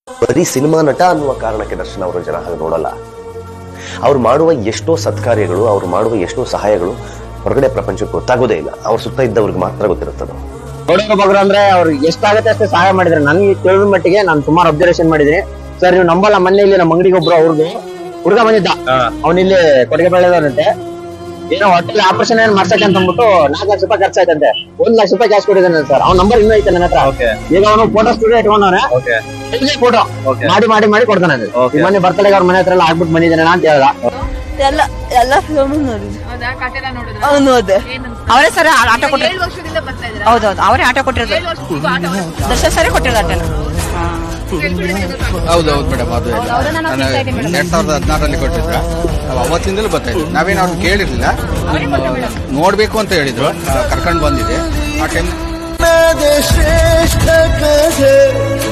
ಬರೀ ಸಿನಿಮಾ ನಟ ಅನ್ನುವ ಕಾರಣಕ್ಕೆ ದರ್ಶನ್ ಅವರು ಜನ ಹಾಗೆ ನೋಡಲ್ಲ. ಅವ್ರು ಮಾಡುವ ಎಷ್ಟೋ ಸತ್ಕಾರ್ಯಗಳು, ಅವ್ರು ಮಾಡುವ ಎಷ್ಟೋ ಸಹಾಯಗಳು ಹೊರಗಡೆ ಪ್ರಪಂಚಕ್ಕೆ ಗೊತ್ತಾಗೋದೇ ಇಲ್ಲ. ಅವ್ರ ಸುತ್ತ ಇದ್ದವ್ರಿಗೆ ಮಾತ್ರ ಗೊತ್ತಿರುತ್ತದೆ. ನೋಡೋಕೆ ಬಗ್ರು ಅಂದ್ರೆ ಅವ್ರು ಎಷ್ಟಾಗತ್ತೆ ಅಷ್ಟೇ ಸಹಾಯ ಮಾಡಿದ್ರೆ. ನನ್ಗೆ ತಿಳಿದ ಮಟ್ಟಿಗೆ ನಾನು ಸುಮಾರು ಅಬ್ಸರ್ವೇಷನ್ ಮಾಡಿದ್ದೀನಿ ಸರ್. ನೀವು ನಂಬಲ್ಲ, ಮೊನ್ನೆ ಇಲ್ಲಿ ನಮ್ಮ ಅಂಗಡಿಗೆ ಒಬ್ರು ಅವ್ರದ್ದು ಹುಡುಗ ಬಂದಿದ್ದ, ಅವನಿಲ್ಲಿ ಕೊಡುಗೆ ಬೆಳೆದವರಂತೆ. ಏನೋ ಹೊಟ್ಟೆಲಿ ಆಪರೇಷನ್ ಏನ್ ಮಾಡ್ಸಕ್ಕೆ ಅಂತ ಅಂದ್ಬಿಟ್ಟು 4 ಲಕ್ಷ ರೂಪಾಯಿ ಖರ್ಚಾಯ್ತಂತೆ. 1 ಲಕ್ಷ ರೂಪಾಯಿ ಕ್ಯಾಶ್ ಕೊಟ್ಟಿದ್ದಾನೆ ಸರ್. ಅವ್ನ ನಂಬರ್ ಇನ್ನೂ ಐತೆ ನನ್ನ ಹತ್ರ. ಈಗ ಅವನು ಫೋಟೋ ಸ್ಟುಡಿಯೋ ಇಟ್ಕೊಂಡವನೆ, ಫೋಟೋ ಮಾಡಿ ಕೊಡ್ತಾನೆ. ಮೊನ್ನೆ ಬರ್ತಡೆಗೆ ಅವ್ರ ಮನೆ ಹತ್ರ ಎಲ್ಲ ಆಗ್ಬಿಟ್ಟು ಬಂದಿದ್ದಾನೆ ಅಂತ ಹೇಳ್ದ. ಎಲ್ಲ ಫಿಲ್ಮ್ ನೋಡಿದೆ. ಅವರೇ ಸರ್ ಆಟ ಕೊಟ್ಟಿರೋದು. ಹೌದೌದು, ಅವರೇ ಆಟ ಕೊಟ್ಟಿರೋದು. ದರ್ಶನ್ ಸರಿ ಕೊಟ್ಟಿರೋದು ಆಟ. ಹೌದೌದು ಮೇಡಮ್, ಅದು 2016ರಲ್ಲಿ ಕೊಟ್ಟಿದ್ರ. ನಾವು ಅವತ್ತಿಂದಲೂ ಬರ್ತಾ ಇದ್ವಿ. ನಾವೇನು ಅವ್ರು ಕೇಳಿರ್ಲಿಲ್ಲ, ನೋಡ್ಬೇಕು ಅಂತ ಹೇಳಿದ್ರು, ಕರ್ಕೊಂಡು ಬಂದಿದೆ ಆ ಟೈಮ್.